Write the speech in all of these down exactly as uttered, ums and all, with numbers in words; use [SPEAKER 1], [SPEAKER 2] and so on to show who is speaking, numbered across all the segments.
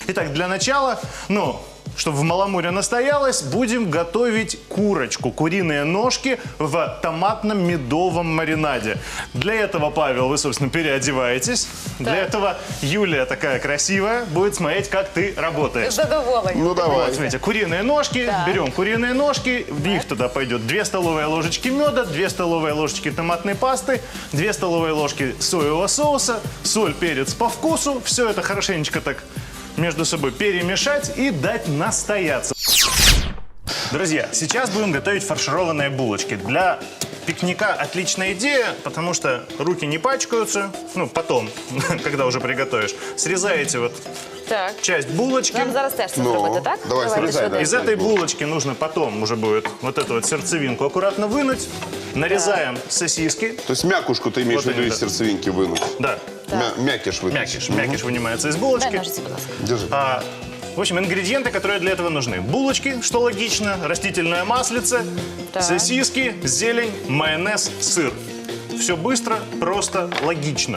[SPEAKER 1] Итак, для начала, ну, чтобы в маламуре настоялось, будем готовить курочку, куриные ножки в томатном медовом маринаде. Для этого, Павел, вы, собственно, переодеваетесь. Так. Для этого Юлия такая красивая будет смотреть, как ты работаешь.
[SPEAKER 2] Задоволена.
[SPEAKER 3] Ну, давай.
[SPEAKER 1] Вот, смотрите, куриные ножки,
[SPEAKER 2] так.
[SPEAKER 1] берем куриные ножки, в них туда пойдет две столовые ложечки меда, две столовые ложечки томатной пасты, две столовые ложки соевого соуса, соль, перец по вкусу. Все это хорошенечко так между собой перемешать и дать настояться. Друзья, сейчас будем готовить фаршированные булочки. Для пикника отличная идея, потому что руки не пачкаются. Ну, потом, когда уже приготовишь. Срезаете вот
[SPEAKER 2] Так.
[SPEAKER 1] часть булочки.
[SPEAKER 2] Нам зараз теж це
[SPEAKER 3] Ну,
[SPEAKER 2] зробити, так?
[SPEAKER 3] давай,
[SPEAKER 2] Давайте
[SPEAKER 3] срізай,
[SPEAKER 2] швиденько.
[SPEAKER 1] Из этой булочки нужно потом уже будет вот эту вот сердцевинку аккуратно вынуть. Нарезаем сосиски.
[SPEAKER 3] То есть мякушку ты имеешь
[SPEAKER 1] Вот
[SPEAKER 3] в виду
[SPEAKER 1] они,
[SPEAKER 3] из
[SPEAKER 1] да.
[SPEAKER 3] сердцевинки вынуть?
[SPEAKER 1] Да,
[SPEAKER 3] Мя- мякиш вытащишь.
[SPEAKER 1] мякиш. Мякиш вынимается из
[SPEAKER 2] Дай
[SPEAKER 1] булочки.
[SPEAKER 2] ножиці, будь ласка.
[SPEAKER 3] Держи.
[SPEAKER 1] А, в общем, ингредиенты, которые для этого нужны. Булочки, что логично, растительное маслице,
[SPEAKER 2] Так.
[SPEAKER 1] сосиски, зелень, майонез, сыр. Все быстро, просто, логично.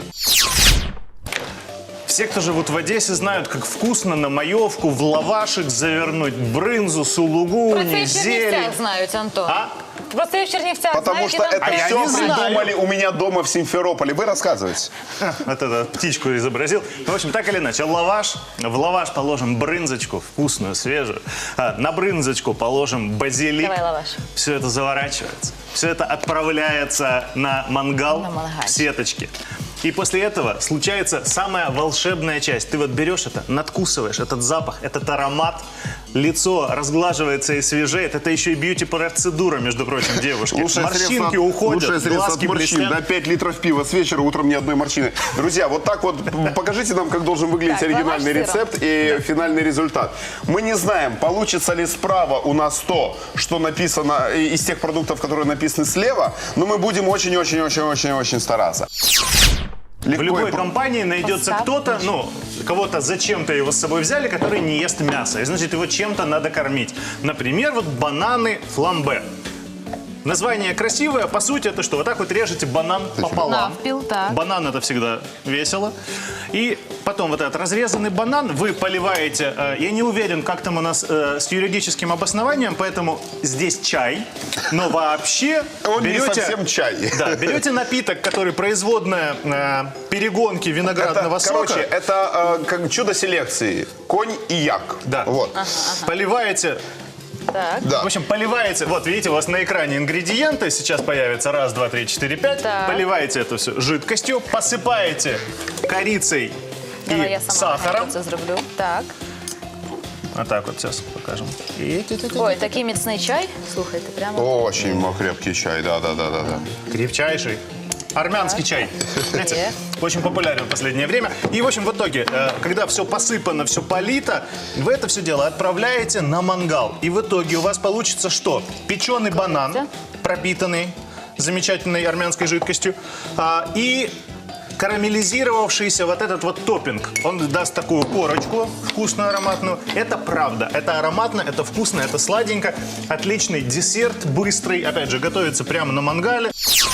[SPEAKER 1] Все, кто живут в Одессе, знают, как вкусно на маевку в лавашек завернуть брынзу,
[SPEAKER 2] Про
[SPEAKER 1] сулугуни,
[SPEAKER 2] це і в
[SPEAKER 1] зелень.
[SPEAKER 2] Чернівцях знають, Антон.
[SPEAKER 1] А?
[SPEAKER 2] Про це і в Чернівцях
[SPEAKER 3] Потому
[SPEAKER 2] знають, і
[SPEAKER 3] что
[SPEAKER 2] нам
[SPEAKER 3] это
[SPEAKER 2] теж.
[SPEAKER 1] я
[SPEAKER 3] все
[SPEAKER 1] не знаю.
[SPEAKER 3] придумали у меня дома в Симферополе. Вы рассказывайте.
[SPEAKER 1] Вот это птичку изобразил. Ну, в общем, так или иначе, лаваш. В лаваш положим брынзочку, вкусную, свежую. А, на брынзочку положим базилик.
[SPEAKER 2] Давай лаваш.
[SPEAKER 1] Все это заворачивается. Все это отправляется на мангал
[SPEAKER 2] На мангальчик.
[SPEAKER 1] в сеточке. И после этого случается самая волшебная часть. Ты вот берешь это, надкусываешь этот запах, этот аромат, лицо разглаживается и свежеет. Это еще и бьюти-процедура, между прочим, девушки.
[SPEAKER 3] Лучшее
[SPEAKER 1] Морщинки
[SPEAKER 3] средство,
[SPEAKER 1] уходят,
[SPEAKER 3] лучшее средство от
[SPEAKER 1] глазки
[SPEAKER 3] морщин.
[SPEAKER 1] блестят.
[SPEAKER 3] На пять литров пива с вечера, утром ни одной морщины. Друзья, вот так вот покажите нам, как должен выглядеть
[SPEAKER 2] Так,
[SPEAKER 3] оригинальный
[SPEAKER 2] лаваш с
[SPEAKER 3] рецепт и финальный результат. Мы не знаем, получится ли справа у нас то, что написано из тех продуктов, которые написаны слева, но мы будем очень-очень-очень-очень-очень стараться.
[SPEAKER 1] В
[SPEAKER 3] Легко
[SPEAKER 1] любой
[SPEAKER 3] и про-
[SPEAKER 1] компании найдется
[SPEAKER 2] Поставь.
[SPEAKER 1] кто-то, ну, кого-то зачем-то его с собой взяли, который не ест мясо. И значит, его чем-то надо кормить. Например, вот бананы фламбе. Название красивое, по сути, это что? Вот так вот режете банан пополам.
[SPEAKER 2] Навпіл, так.
[SPEAKER 1] Банан это всегда весело. И потом вот этот разрезанный банан вы поливаете, э, я не уверен, как там у нас э, с юридическим обоснованием, поэтому здесь чай, но вообще
[SPEAKER 3] Он не
[SPEAKER 1] берете...
[SPEAKER 3] совсем чай.
[SPEAKER 1] Да, берете напиток, который производная э, перегонки виноградного
[SPEAKER 3] Это, короче,
[SPEAKER 1] сока.
[SPEAKER 3] это э, как чудо селекции. Конь и як.
[SPEAKER 1] Да.
[SPEAKER 3] Вот.
[SPEAKER 1] Поливаете,
[SPEAKER 2] Так.
[SPEAKER 3] Да.
[SPEAKER 1] в общем, поливаете, вот видите, у вас на экране ингредиенты, сейчас появится раз, два, три, четыре, пять.
[SPEAKER 2] Так.
[SPEAKER 1] Поливаете это все жидкостью, посыпаете корицей
[SPEAKER 2] Давай
[SPEAKER 1] и
[SPEAKER 2] я сама
[SPEAKER 1] сахаром.
[SPEAKER 2] це зроблю. Так.
[SPEAKER 1] Вот так вот сейчас покажем. И ти-ти-ти.
[SPEAKER 2] Ой, такий міцний чай. Слухайте, прямо.
[SPEAKER 3] Очень крепкий чай, да-да-да-да.
[SPEAKER 1] Крепчайший. Армянский чай. Знаете,
[SPEAKER 2] Е.
[SPEAKER 1] очень популярен в последнее время. И, в общем, в итоге, э, когда все посыпано, все полито, вы это все дело отправляете на мангал. И в итоге у вас получится что? Печеный банан, пропитанный замечательной армянской жидкостью, а, и карамелизировавшийся вот этот вот топпинг. Он даст такую корочку вкусную, ароматную. Это правда. Это ароматно, это вкусно, это сладенько. Отличный десерт, быстрый. Опять же, готовится прямо на мангале.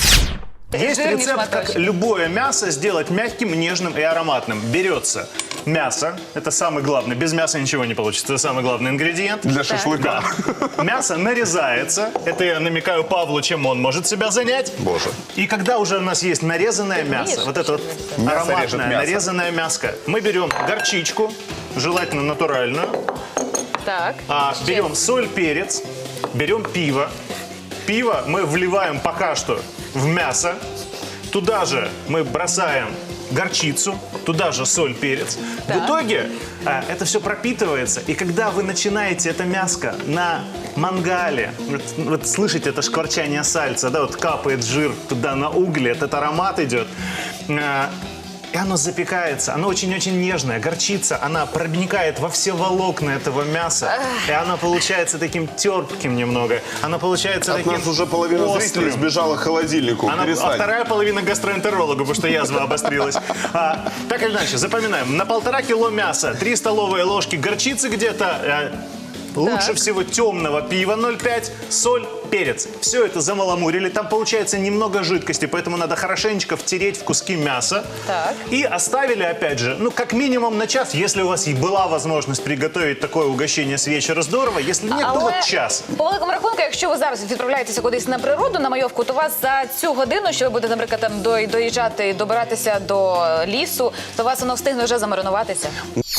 [SPEAKER 1] Есть
[SPEAKER 2] Жирный
[SPEAKER 1] рецепт, как
[SPEAKER 2] шматочек.
[SPEAKER 1] любое мясо сделать мягким, нежным и ароматным. Берется мясо, это самый главный, без мяса ничего не получится, это самый главный ингредиент.
[SPEAKER 3] Для шашлыка.
[SPEAKER 1] Мясо нарезается, это я намекаю Павлу, чем он может себя занять.
[SPEAKER 3] Боже.
[SPEAKER 1] И когда уже у нас есть нарезанное
[SPEAKER 2] Ты
[SPEAKER 1] мясо,
[SPEAKER 2] видишь,
[SPEAKER 1] вот это вот
[SPEAKER 3] Мясо режет
[SPEAKER 1] ароматное
[SPEAKER 3] мясо.
[SPEAKER 1] нарезанное мяско, мы берем горчичку, желательно натуральную,
[SPEAKER 2] Так.
[SPEAKER 1] а,
[SPEAKER 2] Ще.
[SPEAKER 1] берем соль, перец, берем пиво. Пиво мы вливаем пока что в мясо. Туда же мы бросаем горчицу, туда же соль, перец.
[SPEAKER 2] Так.
[SPEAKER 1] В итоге а, это все пропитывается. И когда вы начинаете это мяско на мангале, вот, вот слышите это шкварчание сальца, да, вот капает жир туда на угли, этот аромат идет. А, И оно запекается, оно очень-очень нежное. Горчица, она проникает во все волокна этого мяса. И оно получается таким терпким немного. Оно получается
[SPEAKER 3] От
[SPEAKER 1] таким
[SPEAKER 3] нас уже половина
[SPEAKER 1] острым.
[SPEAKER 3] зрителей сбежала к холодильнику.
[SPEAKER 1] Она, а
[SPEAKER 3] Перестань.
[SPEAKER 1] вторая половина гастроэнтерологу, потому что язва обострилась. А, так или иначе, запоминаем. На полтора кило мяса, три столовые ложки горчицы где-то, а, Лучше всего темного пива ноль пять, соль, перец. Все это замаламурили. Там получается немного жидкости, поэтому надо хорошенечко втереть в куски мяса.
[SPEAKER 2] Так.
[SPEAKER 1] И оставили, опять же, ну, как минимум на час. Если у вас и была возможность приготовить такое угощение с вечера, здорово. Если нет, то вот час.
[SPEAKER 2] По великому рахунку, якщо ви зараз відправляєтеся кудись на природу, на майовку, то у вас за цю годину, що ви будете, наприклад, там дой- доїжджати і добиратися до лісу, то у вас воно встигне вже замаринуватися.